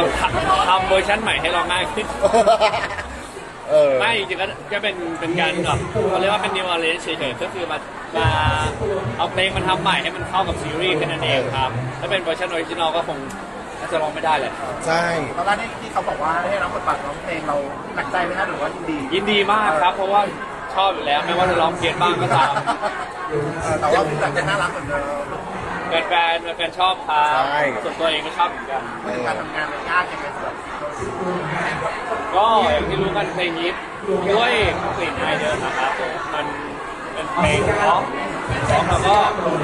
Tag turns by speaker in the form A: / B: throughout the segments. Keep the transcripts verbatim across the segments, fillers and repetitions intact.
A: ทำเวอร์ชันใหม่ให้เราง่ายขึ้น
B: เออ
A: ไม่จริงๆก็ก็เป็นเป็นการแบบเขาเรียกว่าเป็น new arrange เฉยๆก็คือมามาเอาเพลงมันทำใหม่ให้มันเข้ากับซีรีส์แค่นั้นเองครับถ้าเป็นเวอร์ชันออริจินอลก็คงน่าจะร้องไม่ได้เลย
B: ใช่
C: ตอนแรกที่เขาบอกว่าให้รับบทบาทร้องเพลงเราหนักใจไหมคะหรือว่ายินดี
A: ยินดีมากครับ เพราะว่าชอบอยู่แล้วไม่ว่าจะร้องเพี้ยนบ้างก็ตาม
C: แต่ว่าพี่แบบจะน่ารักเหมือนเดิม
A: แฟนๆแฟนๆชอบครับส่วนตัวเองก็ชอบเหมือนกัน
C: การทำงานมันยากยังไงสำหรับ
A: ก็อย่างที่รู้กันเพลงนี้ด้วยกลิ่นอายเดิมนะครับมันเป็นเพลงร้องร้องแล้วก็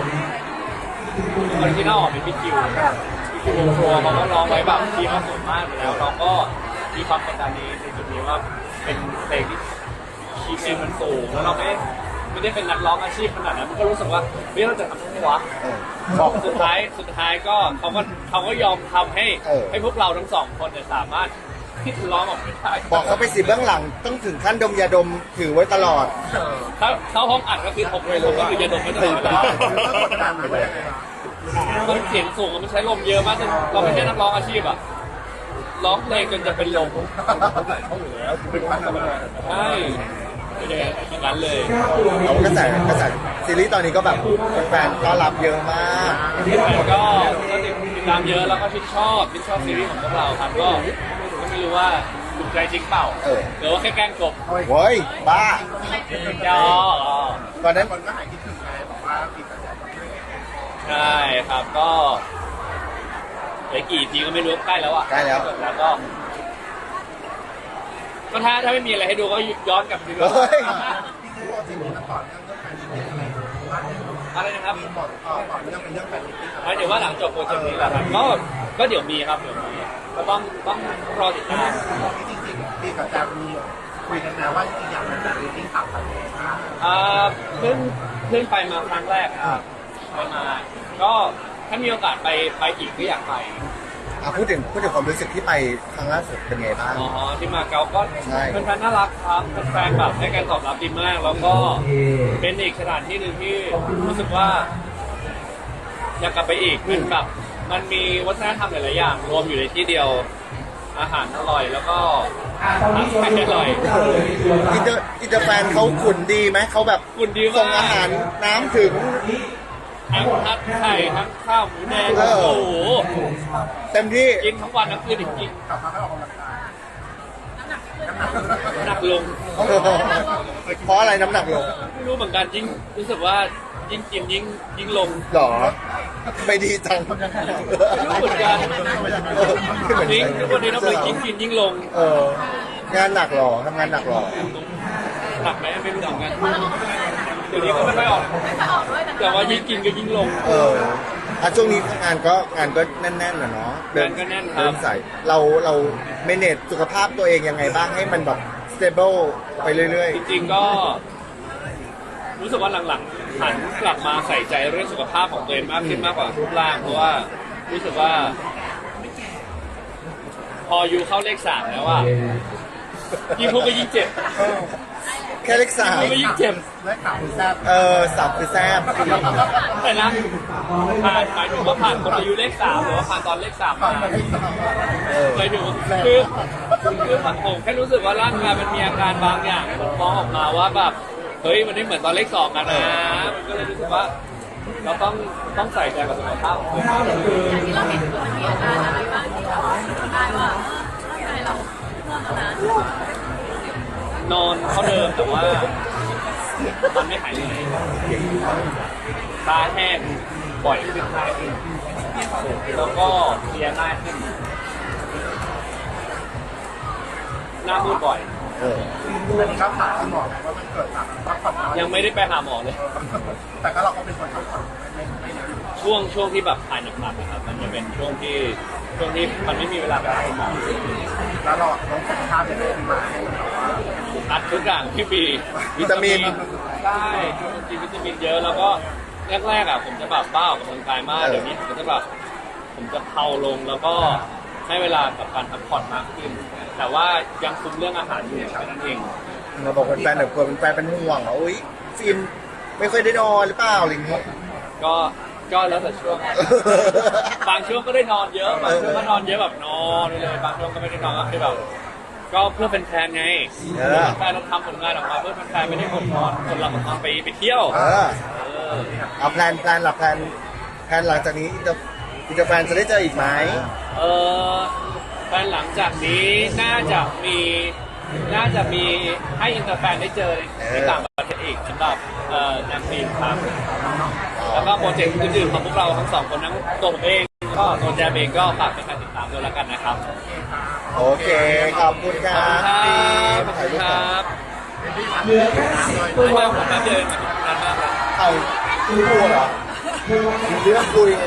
A: ออริจินอลเป็นพี่คิวพี่คิววงโฟร์เขาก็ร้องไว้แบบทีมสวยมากอยู่แล้วเราก็มีความกดดันในจุดนี้ว่าเป็นเพลงที่คีย์เพลงมันสูงแล้วเราไม่ไม่ได้เป็นนักร้องอาชีพขนาดนั้นมันก็รู้สึกว่าเฮ้ยเราจะทำได้ไหมวะ
B: เออบอก
A: สุดท้ายสุดท้ายก็เขาก็เขาก็ยอมทำให้
B: เออ
A: ให้พวกเราทั้งสองคนเนี่ยสามารถที่จะร้องออกมาได้
B: บอกเขาไปสิเบื้องหลังต้องถึงขั้นดมยาดมถือไว้ตลอด
A: ถ้าเข้าห้องอัดก็คือผมผมก็คือจะดมไม่ตลอดเวลา
C: แล้วกดดันไหมว่ายังไงคะ
A: มันเสียงสูงมันใช้ลมเยอะมากจนเราไม่ใช่นักร้องอาชีพอะร้องเพลงจนจะเป็นลมใช่เป็นอย่างนั้นเลย
B: เอากระแสกระแสซีรีส์ตอนนี้ก็แบบแฟนๆต้อนรับเยอะมาก
A: แต่ก็ก็ติดตามเยอะแล้วก็ชื่นชอบชื่นชอบซีรีส์ของพวกเราครับก็ก็ไม่รู้ว่าถูกใจจริงเปล่า
B: เออ
A: หรือว่าแค่แกล้งกบ
B: เฮ้ยบ้า
A: ยอ
B: ตอนนั้น
C: คนก็หายคิดถึงไงบอกว่าปีกระแส
A: ใช่ครับก็เหลือกี่ทีก็ไม่รู้ใกล้แล้วอ่ะ
B: ใกล้แล้ว
A: แล้วก็ก็ถ้าถ้าไม่มีอะไรให้ดูก็ย้อนกลับไปดู
B: เฮ้ย
C: ที่รู้ว่าจริงๆต่อเนื่องเรื่องการมิตติ้งอะไร
A: อะไรนะครับ
C: มีต่อต่อเนื่องเป็นเรื่องการมิตติ้ง
A: หมายถึงว่าหลังจบโปรเจกต์นี้แหละครับก็ก็เดี๋ยวมีครับเดี๋ยวมีก็ต้องต้องรอติดตาม
C: จริงๆปีกับแจมมีคุยกันนะว่าจริงๆอยากเป็นการมิตติ้งต่างประเทศ
A: อ่าเพิ่งเพิ่งไปมาครั้งแรกครับไปมาก็ถ้ามีโอกาสไปไปอีกก็อยากไป
B: อ่ะพูดถึงพูดถึงความรู้สึกที่ไปครั้งล่าสุดเป็นไงบ้าง
A: อ๋อที่มาเก๊าก็
B: ใช่
A: เป็นแฟนน่ารักครับเป็นแฟนแบบให้การตอบรับดีมาก แล้วก็เป็นอีกสถานที่หนึ่งที่รู้สึกว่า อยากกลับไปอีกมันแบบมันมีวัฒนธรรมหลายๆอย่างรวมอยู่ในที่เดียวอาหารอร่อยแล้วก็อาหารอร่อย
B: อินเตอร์อินเตอร์แฟนเขาขุนดีไหมเขาแบบ
A: คุณดี
B: ส่ง
A: มาก
B: อาหารน้ำถึง
A: ทั้งทัดไข่ทั้งข้าวหมูแดง
B: เออ
A: โอ้โห
B: เต็มที่
A: กินทั้งวันทั้งคืนจริง
C: กลับมาให้ออกกำลังกายน้ำหนัก
A: ๆหนักลง
B: เพราะอะไรน้ำหนักลง
A: ไม่รู้เหมือนกันยิ่งรู้สึกว่ายิ่งกินยิ่งยิ่งลง
B: หรอไม่ดีจัง
A: ไม่รู้เหมือนกัน
B: เออขึ้นเหมือน
A: จริงทุกวันนี้เราเลยยิ่งกินยิ่งลง
B: เอองานหนักหรอทำงานหนักหรอ
A: หนักไหมไม่รู้เหมือนกันเดี๋ยวนี้ก็ไม่ค่อยออกแต่ว่ายิ่งกินก็ยิ่งลง
B: เอออ่ะช่วงนี้งานก็งานก็แน่นๆนะเนาะเดิ
A: งานก็แน่นครับ
B: เดินสายเราเราเมเนจสุขภาพตัวเองยังไงบ้างให้มันแบบ stable ไปเรื่อย
A: จริงๆก็ รู้สึกว่าหลังๆหันกลับมาใส่ใจเรื่องสุขภาพของตัวเองมากขึ้นมากกว่ารูปร่างเพราะว่ารู้สึกว่า พออยู่เข้าเลขสามแล้วอ่ะยิ่งพูดก็ยิ่งเจ็บ
B: ๆ แค่เล็กสาม
A: พูดก็ยิ่งเจ็บ
C: และข่าวแซ่บ
B: เออสับคือแซบ
A: แต่นะผ่านหมายถึงว่าผ่านคนอายุเลขสามหรือว่าผ่านตอนเลขสามมา
B: เออ
A: หมายถึงคือคือผมแค่รู้สึกว่าร่างกายมันมีอาการบางอย่างมันฟ้องออกมาว่าแบบเฮ้ยมันไม่เหมือนตอนเลขสองกันนะมันก็เลยรู้สึกว่า เราต้องต้องใส่ใจกับสุขภาพของตัวเองมาก
D: ที่เราเห็นคือมันมีอาการอะไรบ้างที่เราได้ว่าร่างกายเราเมื่อแล้วนะ
A: นอนเท่าเดิมแต่ว่ามันไม่หายเลยตาแห้งบ่อยขึ้นง่ายขึ้นแล้วก็เพลียง่ายขึ้นหน้ามืดบ่อย
B: เออ
C: อันนี้ก็ผ่านคุณหมอไหมว่ามันเกิดจากพักผ่อนน้อย
A: ยังไม่ได้ไปหาหมอเลย
C: แต่ก็เราก็เป็นคนพักผ่อนไม่ไม่เยอะ
A: ช่วงช่วงที่แบบถ่ายหนักๆนะครับมันจะเป็นช่วงที่ช่วงที่มันไม่มีเวลาไปหาหมอ
C: แล้วเราลงสุขภาพยังไงขึ้นมาให้มันแบบว่า
A: อัดทุกอย่างที่มี
B: วิตามิน
A: ใช่กินวิตามินเยอะแล้วก็แรกๆอ่ะผมจะแบบบ้าออกกำลังกายมากเดี๋ยวนี้ผมก็จะแบบผมจะเผาลงแล้วก็ให้เวลากับการพักผ่อนมากขึ้น แต่ว่ายังคุมเรื่องอาหารอยู่แค่นั้นเอง
B: มาบอกแฟนๆแบบกลัวเป็นแฟนเป็นห่วงว่าอุ้ยฟิล์มไม่ค่อยได้นอนหรือเปล่าอะไรอย่างเงี้ย
A: ก็ก็แล้วแต่ช่วง บางช่วงก็ได้นอนเยอะบางช่วงก็นอนเยอะแบบนอนไปเลยบางช่วงก็ไม่ได้นอนก็คือแบบก็เพื่อเป็นแฟนไง
B: เออ
A: แฟนเราทำผลงานออกมาเพื่อเป็นแฟนไม่ได้คนนอนคนเราของเราไปไปเที่ยว
B: เออ
A: เออ
B: เอาแพลนแพลนหลับแพลนแพลนหลังจากนี้อินเตอร์อินเตอร์แฟนจะได้เจออีกไหม
A: เออแฟนหลังจากนี้น่าจะมีน่าจะมีให้อินเตอร์แฟนได้เจอในต่างประเทศอีกสำหรับเอ่อนางฟิล์มครับ แล้วก็โปรเจกต์อื่นๆของพวกเราทั้งสองคนทั้งตัวผมเองก็ตัวแจมเองก็ฝากเป็นการติดตามด้วยแล้วกันนะครับ
B: โอเค ขอบคุณค
A: ข
B: รั
A: อบคุณครับ บขอบ
B: ถ่าย
A: คุ
B: รู
A: ณ
B: ป
A: ค
B: ก่อน
A: รับ
C: ด้วย
A: ไม่ว่าผมแป๊บเดียวเองนานมากเลย
B: ถ่ายคุยพูดเหรอมีเรื่องคุย